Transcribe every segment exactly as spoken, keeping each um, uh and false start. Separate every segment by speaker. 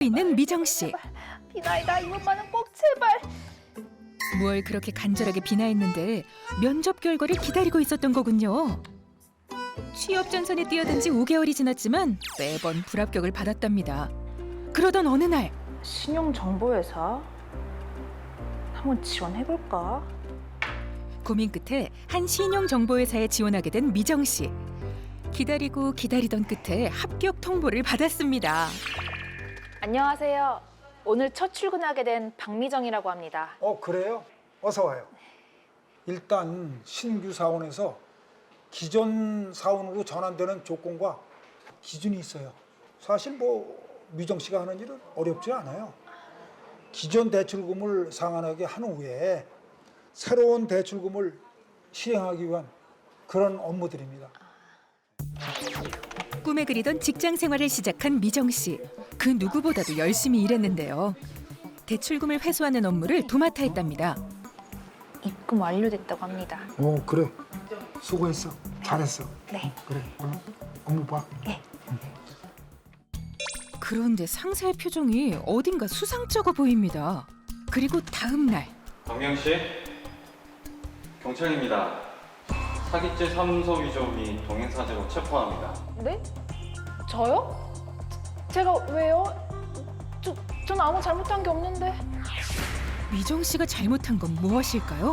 Speaker 1: 있는 미정 씨.
Speaker 2: 비나이다 이번만은 꼭 제발.
Speaker 1: 뭘 그렇게 간절하게 비나했는데 면접 결과를 기다리고 있었던 거군요. 취업 전선에 뛰어든 지 오 개월이 지났지만 매번 불합격을 받았답니다. 그러던 어느 날
Speaker 2: 신용정보회사? 한번 지원해볼까?
Speaker 1: 고민 끝에 한 신용정보회사에 지원하게 된 미정 씨. 기다리고 기다리던 끝에 합격 통보를 받았습니다.
Speaker 2: 안녕하세요. 오늘 첫 출근하게 된 박미정이라고 합니다.
Speaker 3: 어, 그래요? 어서 와요. 일단 신규 사원에서 기존 사원으로 전환되는 조건과 기준이 있어요. 사실 뭐 미정 씨가 하는 일은 어렵지 않아요. 기존 대출금을 상환하게 한 후에 새로운 대출금을 실행하기 위한 그런 업무들입니다.
Speaker 1: 꿈에 그리던 직장 생활을 시작한 미정 씨. 그 누구보다도 열심히 일했는데요. 대출금을 회수하는 업무를 도맡아 했답니다.
Speaker 2: 입금 완료됐다고 합니다.
Speaker 3: 어, 그래. 수고했어. 잘했어.
Speaker 2: 네.
Speaker 3: 그래. 어, 업무 봐.
Speaker 2: 네.
Speaker 1: 그런데 상사의 표정이 어딘가 수상쩍어 보입니다. 그리고 다음 날
Speaker 4: 박명 씨, 경찰입니다. 사기죄 삼소 위조 및 동행사죄로 체포합니다.
Speaker 2: 네? 저요? 제가 왜요? 저, 전 아무 잘못한 게 없는데.
Speaker 1: 미정 씨가 잘못한 건 무엇일까요?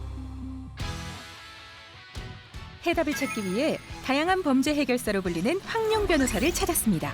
Speaker 1: 해답을 찾기 위해 다양한 범죄 해결사로 불리는 황룡 변호사를 찾았습니다.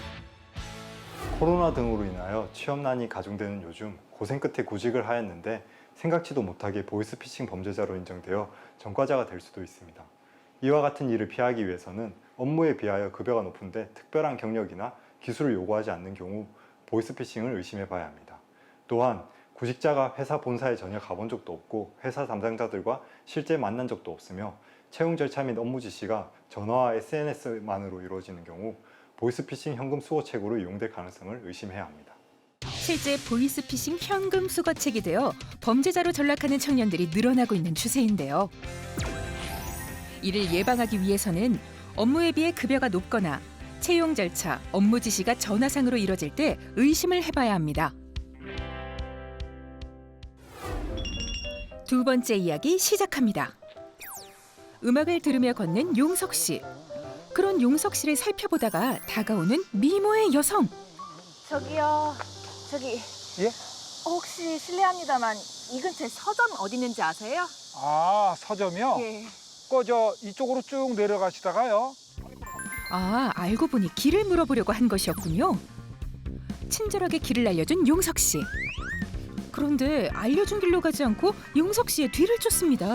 Speaker 5: 코로나 등으로 인하여 취업난이 가중되는 요즘 고생 끝에 구직을 하였는데 생각지도 못하게 보이스피싱 범죄자로 인정되어 전과자가 될 수도 있습니다. 이와 같은 일을 피하기 위해서는 업무에 비하여 급여가 높은데 특별한 경력이나 기술을 요구하지 않는 경우 보이스피싱을 의심해 봐야 합니다. 또한 구직자가 회사 본사에 전혀 가본 적도 없고 회사 담당자들과 실제 만난 적도 없으며 채용 절차 및 업무 지시가 전화와 에스엔에스만으로 이루어지는 경우 보이스피싱 현금 수거책으로 이용될 가능성을 의심해야 합니다.
Speaker 1: 실제 보이스피싱 현금 수거책이 되어 범죄자로 전락하는 청년들이 늘어나고 있는 추세인데요. 이를 예방하기 위해서는 업무에 비해 급여가 높거나 채용 절차, 업무 지시가 전화상으로 이뤄질 때 의심을 해봐야 합니다. 두 번째 이야기 시작합니다. 음악을 들으며 걷는 용석 씨. 그런 용석 씨를 살펴보다가 다가오는 미모의 여성.
Speaker 2: 저기요, 저기
Speaker 3: 예?
Speaker 2: 혹시 실례합니다만 이 근처에 서점 어디 있는지 아세요?
Speaker 3: 아, 서점이요?
Speaker 2: 예.
Speaker 3: 그저 이쪽으로 쭉 내려가시다가요.
Speaker 1: 아, 알고 보니 길을 물어보려고 한 것이었군요. 친절하게 길을 알려준 용석 씨. 그런데 알려준 길로 가지 않고 용석 씨의 뒤를 쫓습니다.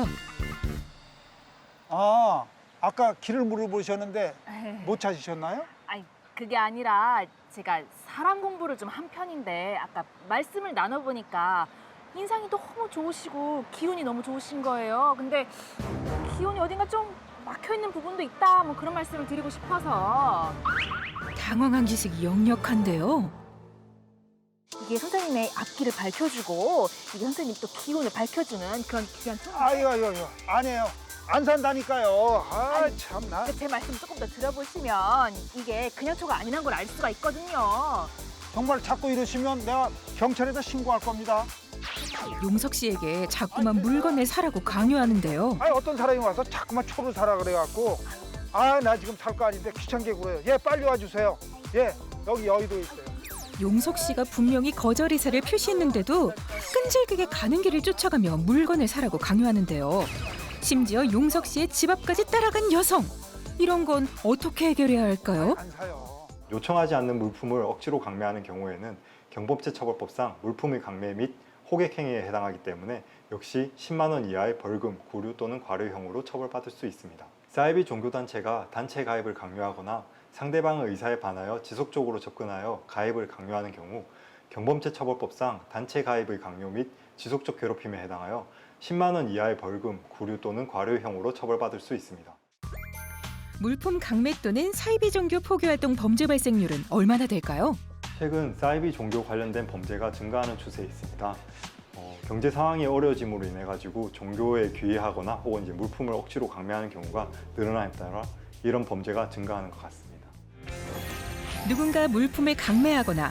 Speaker 3: 아, 아까 길을 물어보셨는데 못 찾으셨나요?
Speaker 2: 아니 그게 아니라 제가 사람 공부를 좀 한 편인데 아까 말씀을 나눠보니까 인상이 너무 좋으시고 기운이 너무 좋으신 거예요. 근데 기운이 어딘가 좀 막혀있는 부분도 있다 뭐 그런 말씀을 드리고 싶어서.
Speaker 1: 당황한 기색이 역력한데요.
Speaker 2: 이게 선생님의 앞길을 밝혀주고 이게 선생님 또 기운을 밝혀주는 그런 귀한 총.
Speaker 3: 아이고, 아이고, 아이고. 아니에요. 안 산다니까요. 아,
Speaker 2: 아니,
Speaker 3: 참나.
Speaker 2: 제 말씀 조금 더 들어보시면 이게 그냥 초가 아니란 걸 알 수가 있거든요.
Speaker 3: 정말 자꾸 이러시면 내가 경찰에다 신고할 겁니다.
Speaker 1: 용석 씨에게 자꾸만 물건을 사라고 강요하는데요.
Speaker 3: 아니, 어떤 사람이 와서 자꾸만 초를 사라 그래갖고 아, 나 지금 살 거 아닌데 귀찮게 굴어요. 예, 빨리 와주세요. 예, 여기 여의도에 있어요.
Speaker 1: 용석 씨가 분명히 거절 의사를 표시했는데도 끈질기게 가는 길을 쫓아가며 물건을 사라고 강요하는데요. 심지어 용석 씨의 집 앞까지 따라간 여성. 이런 건 어떻게 해결해야 할까요?
Speaker 3: 안 사요.
Speaker 5: 요청하지 않는 물품을 억지로 강매하는 경우에는 경범죄처벌법상 물품의 강매 및 호객행위에 해당하기 때문에 역시 십만 원 이하의 벌금, 구류 또는 과료형으로 처벌받을 수 있습니다. 사이비 종교단체가 단체 가입을 강요하거나 상대방의 의사에 반하여 지속적으로 접근하여 가입을 강요하는 경우 경범죄처벌법상 단체 가입의 강요 및 지속적 괴롭힘에 해당하여 십만 원 이하의 벌금, 구류 또는 과료형으로 처벌받을 수 있습니다.
Speaker 1: 물품 강매 또는 사이비 종교 포교 활동 범죄 발생률은 얼마나 될까요?
Speaker 5: 최근 사이비 종교 관련된 범죄가 증가하는 추세에 있습니다. 어, 경제 상황이 어려워짐으로 인해 가지고 종교에 귀의하거나 혹은 이제 물품을 억지로 강매하는 경우가 늘어남에 따라 이런 범죄가 증가하는 것 같습니다.
Speaker 1: 누군가 물품을 강매하거나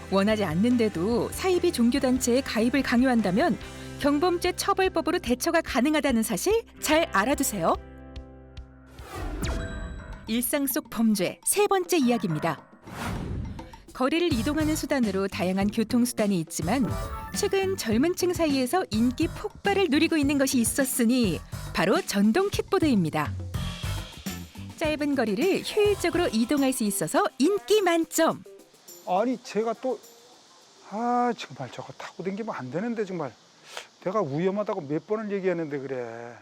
Speaker 1: 원하지 않는데도 사이비 종교단체에 가입을 강요한다면 경범죄 처벌법으로 대처가 가능하다는 사실 잘 알아두세요. 일상 속 범죄 세 번째 이야기입니다. 거리를 이동하는 수단으로 다양한 교통수단이 있지만 최근 젊은 층 사이에서 인기 폭발을 누리고 있는 것이 있었으니 바로 전동 킥보드입니다. 짧은 거리를 효율적으로 이동할 수 있어서 인기 만점.
Speaker 3: 아니 제가 또 아 정말 저거 타고 다니면 안 되는데 정말 내가 위험하다고 몇 번을 얘기했는데 그래.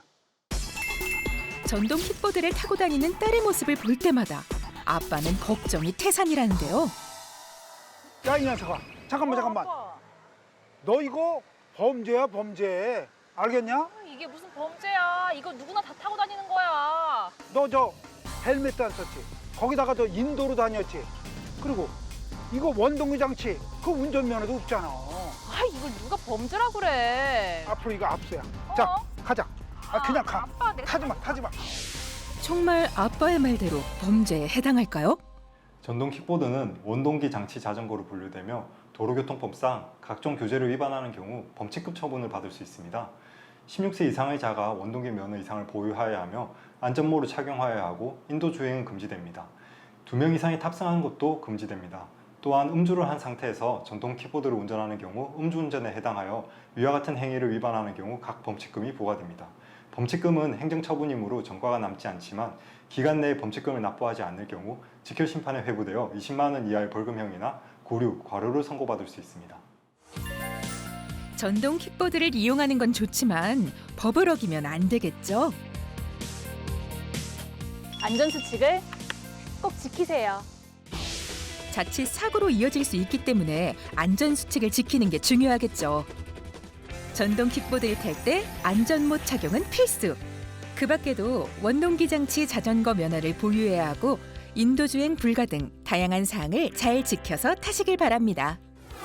Speaker 1: 전동 킥보드를 타고 다니는 딸의 모습을 볼 때마다 아빠는 걱정이 태산이라는데요.
Speaker 3: 야 이 녀석아 잠깐만 잠깐만. 너 이거 범죄야 범죄. 알겠냐?
Speaker 2: 이게 무슨 범죄야? 이거 누구나 다 타고 다니는 거야.
Speaker 3: 너 저 헬멧도 안 썼지? 거기다가 저 인도로 다녔지? 그리고 이거 원동기 장치 그 운전면허도 없잖아.
Speaker 2: 아, 이걸 누가 범죄라 그래?
Speaker 3: 앞으로 이거 압수야. 자
Speaker 2: 어?
Speaker 3: 가자. 아 그냥 가.
Speaker 2: 아빠, 내가
Speaker 3: 타지마 타지마.
Speaker 1: 정말 아빠의 말대로 범죄에 해당할까요?
Speaker 5: 전동 킥보드는 원동기 장치 자전거로 분류되며 도로교통법상 각종 규제를 위반하는 경우 범칙급 처분을 받을 수 있습니다. 십육 세 이상의 자가 원동기 면허 이상을 보유하여야 하며 안전모를 착용하여야 하고 인도 주행은 금지됩니다. 두 명 이상이 탑승하는 것도 금지됩니다. 또한 음주를 한 상태에서 전동 킥보드를 운전하는 경우 음주운전에 해당하여 위와 같은 행위를 위반하는 경우 각 범칙금이 부과됩니다. 범칙금은 행정처분이므로 전과가 남지 않지만 기간 내에 범칙금을 납부하지 않을 경우 직결심판에 회부되어 이십만 원 이하의 벌금형이나 고류, 과료를 선고받을 수 있습니다.
Speaker 1: 전동 킥보드를 이용하는 건 좋지만 법을 어기면 안 되겠죠?
Speaker 2: 안전수칙을 꼭 지키세요.
Speaker 1: 자칫 사고로 이어질 수 있기 때문에 안전수칙을 지키는 게 중요하겠죠. 전동 킥보드를 탈 때 안전모 착용은 필수. 그 밖에도 원동기 장치 자전거 면허를 보유해야 하고 인도주행 불가 등 다양한 사항을 잘 지켜서 타시길 바랍니다.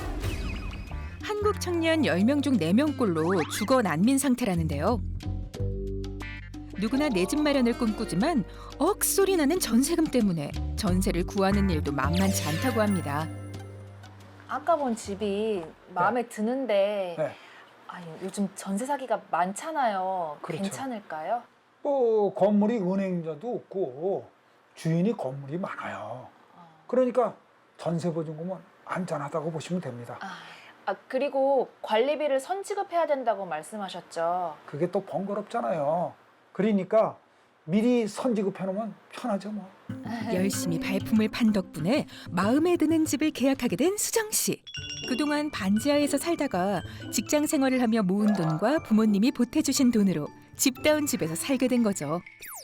Speaker 1: 한국 청년 열 명 중 네 명꼴로 주거 난민 상태라는데요. 누구나 내 집 마련을 꿈꾸지만 억소리 나는 전세금 때문에 전세를 구하는 일도 만만치 않다고 합니다.
Speaker 2: 아까 본 집이 마음에 드는데
Speaker 3: 네.
Speaker 2: 아니, 요즘 전세 사기가 많잖아요.
Speaker 3: 그렇죠.
Speaker 2: 괜찮을까요?
Speaker 3: 뭐 건물이 은행자도 없고 주인이 건물이 많아요. 그러니까 전세 보증금은 안전하다고 보시면 됩니다.
Speaker 2: 아, 아, 그리고 관리비를 선지급해야 된다고 말씀하셨죠.
Speaker 3: 그게 또 번거롭잖아요. 그러니까 미리 선지급해 놓으면 편하죠 뭐.
Speaker 1: 열심히 발품을 판 덕분에 마음에 드는 집을 계약하게 된 수정 씨. 그동안 반지하에서 살다가 직장 생활을 하며 모은 돈과 부모님이 보태주신 돈으로 집다운 집에서 살게 된 거죠.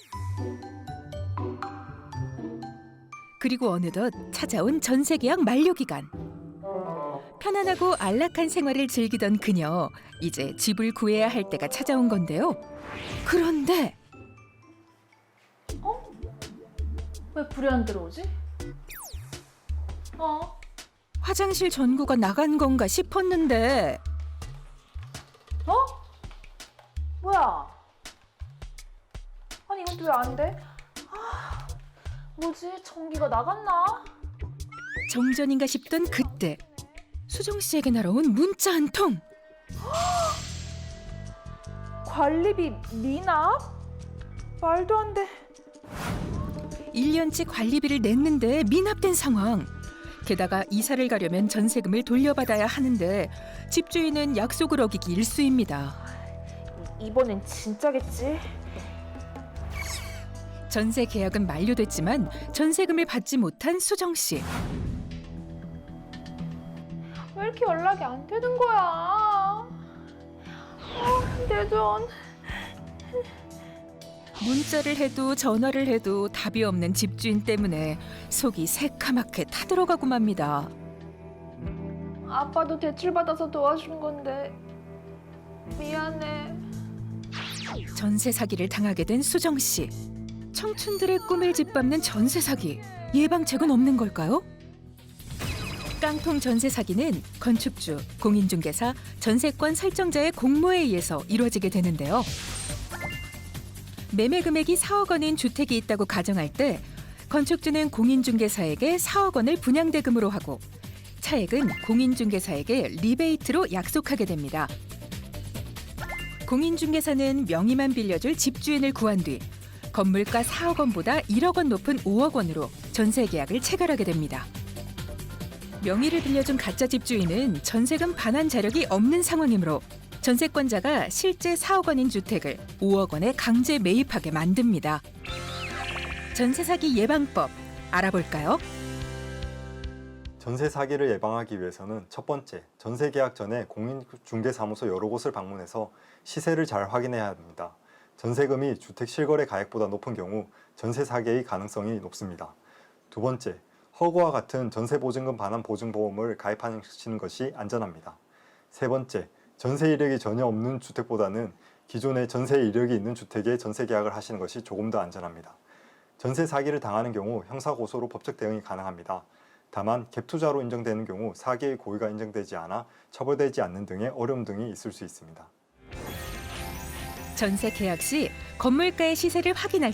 Speaker 1: 그리고 어느덧 찾아온 전세 계약 만료 기간. 편안하고 안락한 생활을 즐기던 그녀. 이제 집을 구해야 할 때가 찾아온 건데요. 그런데
Speaker 2: 왜 불이 안 들어오지? 어?
Speaker 1: 화장실 전구가 나간 건가 싶었는데
Speaker 2: 어? 뭐야? 아니 이건 또 왜 안 돼? 아, 뭐지? 전기가 나갔나?
Speaker 1: 정전인가 싶던 그때 수정 씨에게 날아온 문자 한 통.
Speaker 2: 관리비 미납? 말도 안 돼.
Speaker 1: 일 년치 관리비를 냈는데 미납된 상황. 게다가 이사를 가려면 전세금을 돌려받아야 하는데 집주인은 약속을 어기기 일쑤입니다.
Speaker 2: 이번엔 진짜겠지?
Speaker 1: 전세 계약은 만료됐지만 전세금을 받지 못한 수정 씨.
Speaker 2: 왜 이렇게 연락이 안 되는 거야? 아, 내 돈.
Speaker 1: 문자를 해도 전화를 해도 답이 없는 집주인 때문에 속이 새카맣게 타들어가고 맙니다.
Speaker 2: 아빠도 대출받아서 도와준 건데 미안해.
Speaker 1: 전세 사기를 당하게 된 수정 씨. 청춘들의 꿈을 짓밟는 전세 사기. 예방책은 없는 걸까요? 깡통 전세 사기는 건축주, 공인중개사, 전세권 설정자의 공모에 의해서 이루어지게 되는데요. 매매 금액이 사억 원인 주택이 있다고 가정할 때 건축주는 공인중개사에게 사억 원을 분양대금으로 하고 차액은 공인중개사에게 리베이트로 약속하게 됩니다. 공인중개사는 명의만 빌려줄 집주인을 구한 뒤 건물가 사억 원보다 일억 원 높은 오억 원으로 전세 계약을 체결하게 됩니다. 명의를 빌려준 가짜 집주인은 전세금 반환 자력이 없는 상황이므로 전세권자가 실제 사억 원인 주택을 오억 원에 강제 매입하게 만듭니다. 전세 사기 예방법 알아볼까요?
Speaker 5: 전세 사기를 예방하기 위해서는 첫 번째, 전세 계약 전에 공인중개사무소 여러 곳을 방문해서 시세를 잘 확인해야 합니다. 전세금이 주택 실거래 가액보다 높은 경우 전세 사기의 가능성이 높습니다. 두 번째, 허구와 같은 전세 보증금 반환 보증보험을 가입하시는 것이 안전합니다. 세 번째, 전세 이력이 전혀 없는 주택보다는 기존에 전세 이력이 있는 주택에 전세 계약을 하시는 것이 조금 더 안전합니다. 전세 사기를 당하는 경우 형사고소로 법적 대응이 가능합니다. 다만 갭 투자로 인정되는 경우 사기의 고의가 인정되지 않아 처벌되지 않는 등의 어려움 등이 있을 수 있습니다.
Speaker 1: 전세 계약 시 건물가의 시세를 확인할